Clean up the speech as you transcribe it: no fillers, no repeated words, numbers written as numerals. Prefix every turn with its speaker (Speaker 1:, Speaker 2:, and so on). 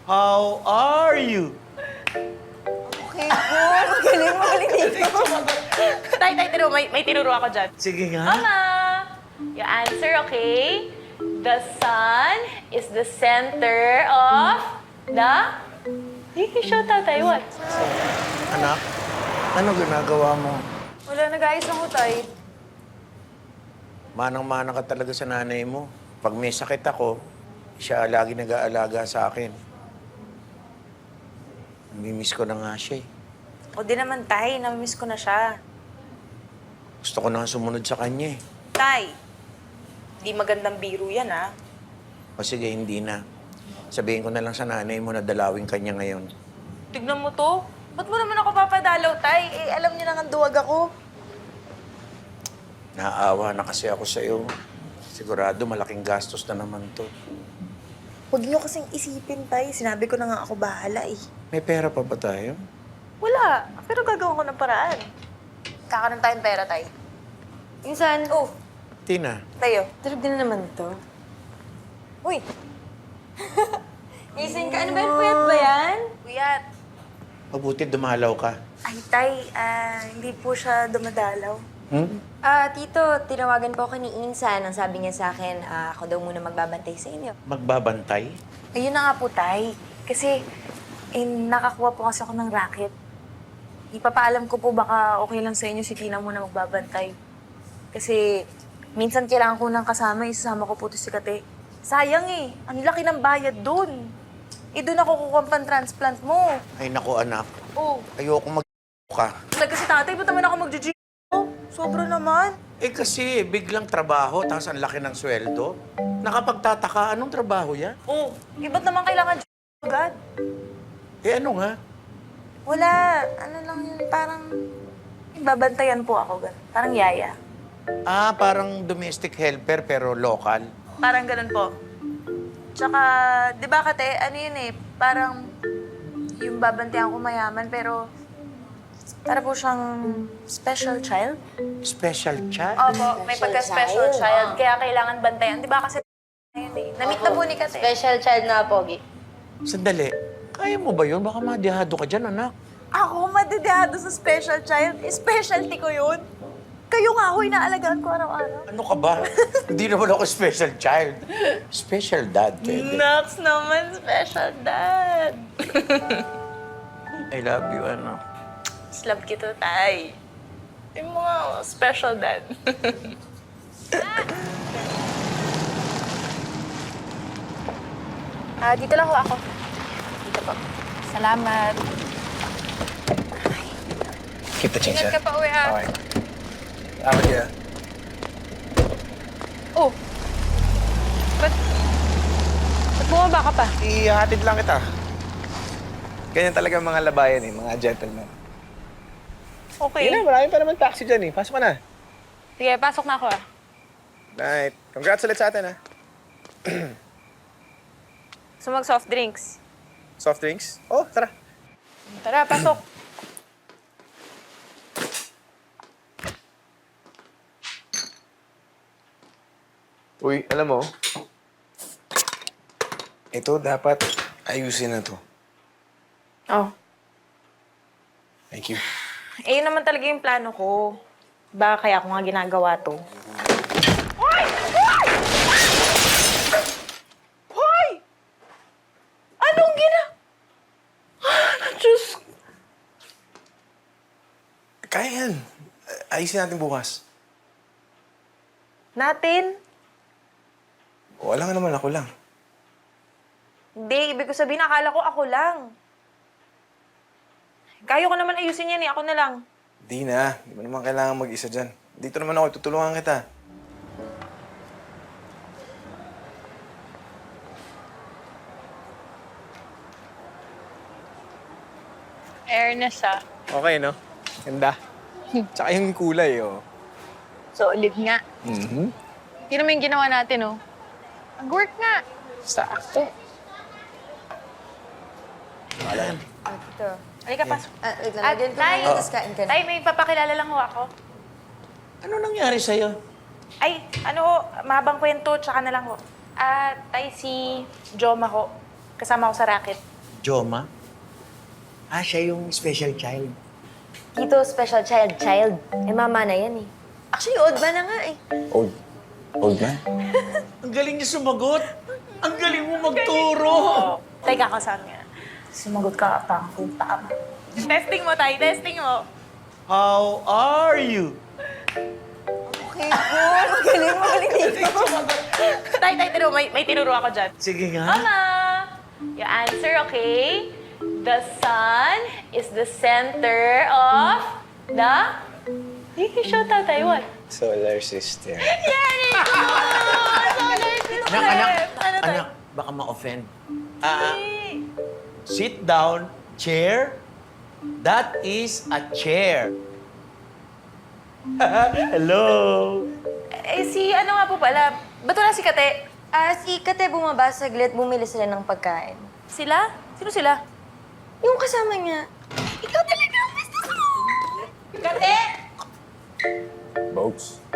Speaker 1: How are you?
Speaker 2: Okay po. Magaling dito.
Speaker 3: Tay, tiro, may tinuro ako dyan.
Speaker 1: Sige nga.
Speaker 3: Mama, your answer, okay? The sun is the center of the... Hey, show tatay, what?
Speaker 1: Anak, ano ginagawa mo?
Speaker 2: Wala, nag-ayos lang ko, tay.
Speaker 1: Manang-mana ka talaga sa nanay mo. Pag may sakit ako, siya lagi nag-aalaga sa akin. Namimiss ko na nga siya eh.
Speaker 2: O di naman, tay. Namimiss ko na siya.
Speaker 1: Gusto ko na nga sumunod sa kanya eh.
Speaker 2: Tay, di magandang biro yan, ha?
Speaker 1: O sige, hindi na. Sabihin ko na lang sa nanay mo na dalawin kanya ngayon.
Speaker 2: Tignan mo to. Ba't mo naman ako papadalaw, tay? Eh, alam niyo na nga duwag ako.
Speaker 1: Naaawa na kasi ako sa'yo. Sigurado malaking gastos na naman to.
Speaker 2: Huwag niyo kasing isipin, tay. Sinabi ko na nga ako bahala, eh.
Speaker 1: May pera pa ba tayo?
Speaker 2: Wala. Pero gagawin ko ng paraan. Kakaroon tayong pera, tay.
Speaker 4: Minsan,
Speaker 2: Oh,
Speaker 1: Tina,
Speaker 2: tayo.
Speaker 4: tulog din na naman to.
Speaker 2: Uy,
Speaker 4: Gising ka, ano ba yan? Puyat ba yan?
Speaker 2: Kuyat.
Speaker 1: mabuti dumalaw ka.
Speaker 2: Ay, tay, hindi po siya dumadalaw.
Speaker 1: Hmm?
Speaker 4: Tito, tinawagan po ako ni Insan. Ang sabi niya sa akin, ako daw muna magbabantay sa inyo.
Speaker 1: Magbabantay?
Speaker 2: Ayun na nga po, tay. Kasi, nakakuha po kasi ako ng racket. Ipapaalam ko po baka okay lang sa inyo si Tina muna magbabantay. Kasi, minsan kailangan ko ng kasama, isasama ko po to si Kate. Sayang eh, ang laki ng bayad dun. Doon ako kukuha ang pan-transplant mo.
Speaker 1: Ay naku anak,
Speaker 2: Oh,
Speaker 1: ayoko mag ka.
Speaker 2: talaga si tatay, ba't naman ako mag-gym? Oh, sobra naman.
Speaker 1: Eh kasi biglang trabaho, tapos ang laki ng sweldo. Nakapagtataka, anong trabaho yan?
Speaker 2: Oh, ba't naman kailangan agad?
Speaker 1: Eh ano nga?
Speaker 2: Wala, ano lang yun, parang babantayan po ako, ganun. Parang yaya.
Speaker 1: Ah, parang domestic helper pero local.
Speaker 2: Parang ganun po. Tsaka, di ba kate, ano yun eh, parang yung babantayan ko mayaman, pero para po siyang special child.
Speaker 1: Special child?
Speaker 2: Opo, may pagka-special child, kaya kailangan bantayan. Di ba kasi yun eh. Namit na po ni Kate.
Speaker 4: Special child na, Pogi.
Speaker 1: Sandali, kaya mo ba yun? Baka madihado ka dyan, anak.
Speaker 2: Ako, madidihado sa special child. Specialty ko yun. Kayo nga ako, inaalagaan ko araw-araw.
Speaker 1: Ano ka ba? Hindi naman ako special child. Special dad, pwede.
Speaker 2: Nox naman, special dad.
Speaker 1: I love you, anak.
Speaker 2: Love kita, tay. Yung mga special dad. Dito lang ho ako. Dito po. Salamat.
Speaker 5: Keep the change,
Speaker 2: Ingat
Speaker 5: sir.
Speaker 2: ka pa uwi, ha?
Speaker 5: Okay. Out here.
Speaker 3: Oh, ba't bumaba ka pa?
Speaker 5: Ihatid lang kita. Ganyan talaga mga labayan eh, mga gentlemen.
Speaker 3: Okay.
Speaker 5: Yun na, marami pa naman taxi dyan eh. Pasok ka na.
Speaker 3: Sige, pasok na ako
Speaker 5: Right. Congrats ulit sa atin, ha.
Speaker 3: So mag-soft drinks.
Speaker 5: Soft drinks? Oh, tara.
Speaker 3: Tara, pasok.
Speaker 5: Uy, alam mo, ito dapat ayusin na to.
Speaker 3: Oh.
Speaker 5: Thank you.
Speaker 2: Eh, yun naman talaga yung plano ko. Baka kaya ako nga ginagawa to. Hoy! Anong Diyos ko.
Speaker 5: Kaya yan. Ayusin natin bukas.
Speaker 2: Natin?
Speaker 5: O, alam nga naman ako lang.
Speaker 2: Hindi, ibig ko sabihin, akala ko ako lang. Kaya ko naman ayusin yan eh, ako na lang.
Speaker 5: Di na. Di mo naman kailangan mag-isa dyan. Dito naman ako, tutulungan kita.
Speaker 3: Airness, ah.
Speaker 5: Okay, no? Ganda. Tsaka yung kulay, oh.
Speaker 3: Solid nga.
Speaker 5: Mm-hmm.
Speaker 3: Yun naman yung ginawa natin, oh. Mag-work nga.
Speaker 5: Sakto.
Speaker 1: Alam.
Speaker 4: Tito.
Speaker 2: Halika, pasok.
Speaker 4: Wait lang, lagyan ko na
Speaker 2: Tay,
Speaker 4: yun, tapos kain ka na.
Speaker 2: Tay, may papakilala lang ho ako.
Speaker 1: Ano nangyari sa'yo?
Speaker 2: Ay, ano ho, mahabang kwento, tsaka na lang ho. Tay, si Joma ho. Kasama ko sa racket.
Speaker 1: Joma? Ah, siya yung special child.
Speaker 4: Tito, special child. Eh, mama na yan eh. Actually, old ba na nga eh.
Speaker 5: Old. Old na?
Speaker 1: Ang galing niya sumagot. Ang galing mo magturo.
Speaker 3: Teka ka saan nga.
Speaker 2: Sumagot ka, pangko, tama.
Speaker 3: Testing mo, Tay. Testing mo.
Speaker 1: How are you?
Speaker 4: Okay po, magaling dito.
Speaker 3: Tay, may tinuro ako dyan.
Speaker 1: Sige nga.
Speaker 3: Mama! Your answer, okay? The sun is the center of the... Hey, show tatay, what?
Speaker 5: Solar system.
Speaker 1: Anak, baka ma-offend. Sit down, chair. That is a chair. Hello.
Speaker 3: Eh, si ano nga po pala? Ba't wala si Kate?
Speaker 4: Si Kate bumaba saglit, bumili sila ng pagkain.
Speaker 3: Sila? Sino sila?
Speaker 4: Yung kasama niya. Ikaw talaga ang best mo!
Speaker 3: Kate!
Speaker 5: Boats.